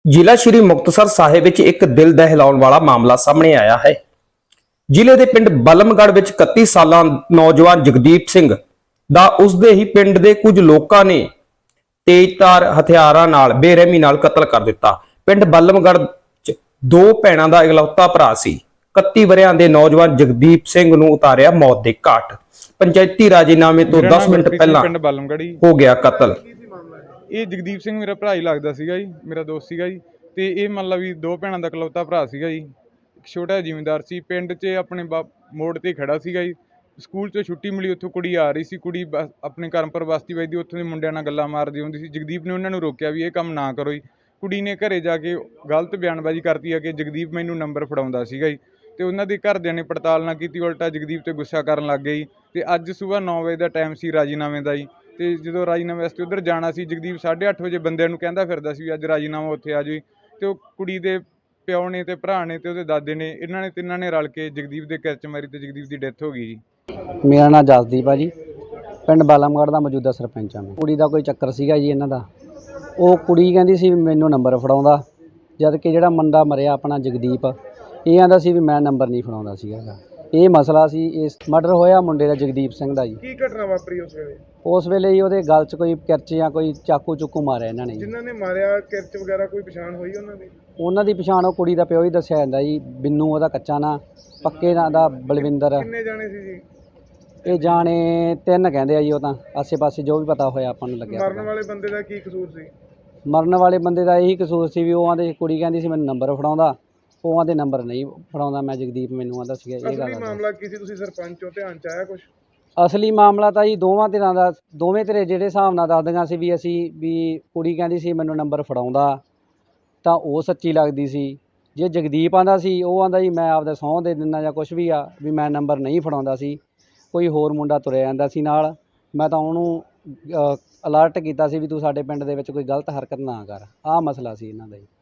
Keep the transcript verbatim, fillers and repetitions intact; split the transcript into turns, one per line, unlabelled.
ਜ਼ਿਲ੍ਹਾ ਸ਼੍ਰੀ ਮੁਕਤਸਰ ਸਾਹਿਬ ਵਿੱਚ ਇੱਕ ਦਿਲ ਦਹਿਲਾਉਣ ਵਾਲਾ ਮਾਮਲਾ ਸਾਹਮਣੇ ਆਇਆ ਹੈ। ਜ਼ਿਲ੍ਹੇ ਦੇ ਪਿੰਡ ਬਲਮਗੜ੍ਹ ਵਿੱਚ ਇਕੱਤੀ ਸਾਲਾਂ ਨੌਜਵਾਨ ਜਗਦੀਪ ਸਿੰਘ ਦਾ ਉਸਦੇ ਹੀ ਪਿੰਡ ਦੇ ਕੁਝ ਲੋਕਾਂ ਨੇ ਤੇਜ਼ਧਾਰ ਹਥਿਆਰਾਂ ਨਾਲ ਬੇਰਹਿਮੀ ਨਾਲ ਕਤਲ ਕਰ ਦਿੱਤਾ। ਪਿੰਡ ਬਲਮਗੜ੍ਹ 'ਚ ਦੋ ਭੈਣਾਂ ਦਾ ਇਕਲੌਤਾ ਭਰਾ ਸੀ। ਇਕੱਤੀ ਵਰਿਆਂ ਦੇ ਨੌਜਵਾਨ ਜਗਦੀਪ ਸਿੰਘ ਨੂੰ ਉਤਾਰਿਆ ਮੌਤ ਦੇ ਘਾਟ। ਪੰਚਾਇਤੀ ਰਾਜੀਨਾਮੇ ਤੋਂ ਦਸ ਮਿੰਟ ਪਹਿਲਾਂ
ਪਿੰਡ ਬਲਮਗੜ੍ਹ
ਹੋ ਗਿਆ ਕਤਲ।
ਇਹ ਜਗਦੀਪ ਸਿੰਘ ਮੇਰਾ ਭਰਾ ਹੀ ਲੱਗਦਾ ਸੀਗਾ ਜੀ, ਮੇਰਾ ਦੋਸਤ ਸੀਗਾ ਜੀ। ਤੇ ਇਹ ਮੰਨ ਲਾ ਵੀ ਦੋ ਭੈਣਾਂ ਦਾ ਇਕਲੌਤਾ ਭਰਾ ਸੀਗਾ ਜੀ। ਇੱਕ ਛੋਟਾ ਜ਼ਿਮੀਂਦਾਰ ਸੀ, ਪਿੰਡ 'ਚ ਆਪਣੇ ਮੋੜ ਤੇ ਖੜਾ ਸੀਗਾ ਜੀ। ਸਕੂਲ 'ਚੋਂ ਛੁੱਟੀ ਮਿਲੀ, ਉੱਥੋਂ ਕੁੜੀ ਆ ਰਹੀ ਸੀ। ਕੁੜੀ ਬਸ ਆਪਣੇ ਕਰਮਪੁਰ ਬਸਤੀ ਵੱਜਦੀ, ਉੱਥੋਂ ਦੇ ਮੁੰਡਿਆਂ ਨਾਲ ਗੱਲਾਂ ਮਾਰਦੀ ਹੁੰਦੀ ਸੀ। ਜਗਦੀਪ ਨੇ ਉਹਨਾਂ ਨੂੰ ਰੋਕਿਆ ਵੀ ਇਹ ਕੰਮ ਨਾ ਕਰੋ ਜੀ। ਕੁੜੀ ਨੇ ਘਰੇ ਜਾ ਕੇ ਗਲਤ ਬਿਆਨਬਾਜ਼ੀ ਕਰਤੀ ਆ ਕਿ ਜਗਦੀਪ ਮੈਨੂੰ ਨੰਬਰ ਫੜਾਉਂਦਾ ਸੀਗਾ ਜੀ। ਤੇ ਉਹਨਾਂ ਦੇ ਘਰਦਿਆਂ ਨੇ ਪੜਤਾਲ ਨਾ ਕੀਤੀ, ਉਲਟਾ ਜਗਦੀਪ ਤੇ ਗੁੱਸਾ ਕਰਨ ਲੱਗ ਗਏ ਜੀ। ਤੇ ਅੱਜ ਸਵੇਰ ਨੌ ਵਜੇ ਦਾ ਟਾਈਮ ਸੀ ਰਾਜੀਨਾਮੇ ਦਾ ਜੀ। ਤੇ ਜਦੋਂ ਰਾਜੀਨਾਮੇ ਵਾਸਤੇ ਉੱਧਰ ਜਾਣਾ ਸੀ, ਜਗਦੀਪ ਸਾਢੇ ਅੱਠ ਵਜੇ ਬੰਦਿਆਂ ਨੂੰ ਕਹਿੰਦਾ ਫਿਰਦਾ ਸੀ ਵੀ ਅੱਜ ਰਾਜੀਨਾਮਾ ਉੱਥੇ ਆ ਜਾਓ। ਤੇ ਉਹ ਕੁੜੀ ਦੇ ਪਿਓ ਨੇ ਤੇ ਭਰਾ ਨੇ ਤੇ ਉਹਦੇ ਦਾਦੇ ਨੇ, ਇਹਨਾਂ ਨੇ ਤਿੰਨਾਂ ਨੇ ਰਲ ਕੇ ਜਗਦੀਪ ਦੇ ਕਿਰਚ ਮਾਰੀ ਤੇ ਜਗਦੀਪ ਦੀ ਡੈਥ ਹੋ ਗਈ ਜੀ।
ਮੇਰਾ ਨਾਮ ਜਸਦੀਪ ਆ ਜੀ, ਪਿੰਡ ਬਲਮਗੜ੍ਹ ਦਾ ਮੌਜੂਦਾ ਸਰਪੰਚ ਆ ਮੈਂ। ਕੁੜੀ ਦਾ ਕੋਈ ਚੱਕਰ ਸੀਗਾ ਜੀ ਇਹਨਾਂ ਦਾ। ਉਹ ਕੁੜੀ ਕਹਿੰਦੀ ਸੀ ਵੀ ਮੈਨੂੰ ਨੰਬਰ ਫੜਾਉਂਦਾ, ਜਦ ਕਿ ਜਿਹੜਾ ਮੁੰਡਾ ਮਰਿਆ ਆਪਣਾ ਜਗਦੀਪ, ਇਹ ਆਂਦਾ ਸੀ ਵੀ ਮੈਂ ਨੰਬਰ ਨਹੀਂ ਫੜਾਉਂਦਾ ਸੀਗਾ। ਇਹ ਮਸਲਾ ਸੀ। ਇਸ ਮਰਡਰ ਹੋਇਆ ਮੁੰਡੇ ਦਾ ਜਗਦੀਪ ਸਿੰਘ ਦਾ ਜੀ।
ਕੀ ਘਟਨਾ ਵਾਪਰੀ ਉਸ ਵੇਲੇ?
ਉਸ ਵੇਲੇ ਜੀ ਉਹਦੇ ਗਲ 'ਚ ਕੋਈ ਕਿਰਚ ਜਾਂ ਕੋਈ ਚਾਕੂ ਚੁੱਕੂ ਮਾਰਿਆ ਇਹਨਾਂ ਨੇ।
ਜਿਨ੍ਹਾਂ ਨੇ ਮਾਰਿਆ ਕਿਰਚ ਵਗੈਰਾ ਕੋਈ ਪਛਾਣ ਹੋਈ ਉਹਨਾਂ ਦੀ?
ਉਹਨਾਂ ਦੀ ਪਛਾਣ ਉਹ ਕੁੜੀ ਦਾ ਪਿਓ ਹੀ ਦੱਸਿਆ ਜਾਂਦਾ ਜੀ, ਬਿੰਨੂ ਉਹਦਾ ਕੱਚਾ ਨਾਂ, ਪੱਕੇ ਨਾਂ ਦਾ ਬਲਵਿੰਦਰ।
ਕਿੰਨੇ ਜਾਣੇ ਸੀ ਜੀ
ਇਹ? ਜਾਣੇ ਤਿੰਨ ਕਹਿੰਦੇ ਆ ਜੀ। ਉਹ ਤਾਂ ਆਸੇ ਪਾਸੇ ਜੋ ਵੀ ਪਤਾ ਹੋਇਆ ਆਪਾਂ ਨੂੰ ਲੱਗਿਆ।
ਮਰਨ ਵਾਲੇ ਬੰਦੇ ਦਾ ਕੀ ਕਸੂਰ ਸੀ?
ਮਰਨ ਵਾਲੇ ਬੰਦੇ ਦਾ ਇਹੀ ਕਸੂਰ ਸੀ ਵੀ ਉਹ ਆਂਦੇ, ਕੁੜੀ ਕਹਿੰਦੀ ਸੀ ਮੈਨੂੰ ਨੰਬਰ ਫੜਾਉਂਦਾ, ਉਹ ਆਂਦੇ ਨੰਬਰ ਨਹੀਂ ਫੜਾਉਂਦਾ ਮੈਂ ਜਗਦੀਪ, ਮੈਨੂੰ ਆਂਦਾ ਸੀਗਾ ਇਹ ਗੱਲ।
ਅਸਲੀ ਮਾਮਲਾ ਕੀ ਸੀ? ਤੁਸੀਂ ਸਰਪੰਚ ਹੋ, ਧਿਆਨ ਚ ਆਇਆ ਕੁਝ?
ਅਸਲੀ ਮਾਮਲਾ ਤਾਂ ਜੀ ਦੋਵਾਂ ਧਿਰਾਂ ਦਾ, ਦੋਵੇਂ ਧਿਰੇ ਜਿਹੜੇ ਹਿਸਾਬ ਨਾਲ ਦੱਸਦੀਆਂ ਸੀ ਵੀ ਅਸੀਂ ਵੀ ਕੁੜੀ ਕਹਿੰਦੀ ਸੀ ਮੈਨੂੰ ਨੰਬਰ ਫੜਾਉਂਦਾ ਤਾਂ ਉਹ ਸੱਚੀ ਲੱਗਦੀ ਸੀ। ਜੇ ਜਗਦੀਪ ਆਂਦਾ ਸੀ, ਉਹ ਆਂਦਾ ਜੀ ਮੈਂ ਆਪਦਾ ਸਹੁੰ ਦੇ ਦਿੰਦਾ ਜਾਂ ਕੁਛ ਵੀ ਆ, ਵੀ ਮੈਂ ਨੰਬਰ ਨਹੀਂ ਫੜਾਉਂਦਾ ਸੀ। ਕੋਈ ਹੋਰ ਮੁੰਡਾ ਤੁਰਿਆ ਜਾਂਦਾ ਸੀ ਨਾਲ। ਮੈਂ ਤਾਂ ਉਹਨੂੰ ਅਲਰਟ ਕੀਤਾ ਸੀ ਵੀ ਤੂੰ ਸਾਡੇ ਪਿੰਡ ਦੇ ਵਿੱਚ ਕੋਈ ਗਲਤ ਹਰਕਤ ਨਾ ਕਰ। ਆਹ ਮਸਲਾ ਸੀ ਇਹਨਾਂ ਦਾ ਜੀ।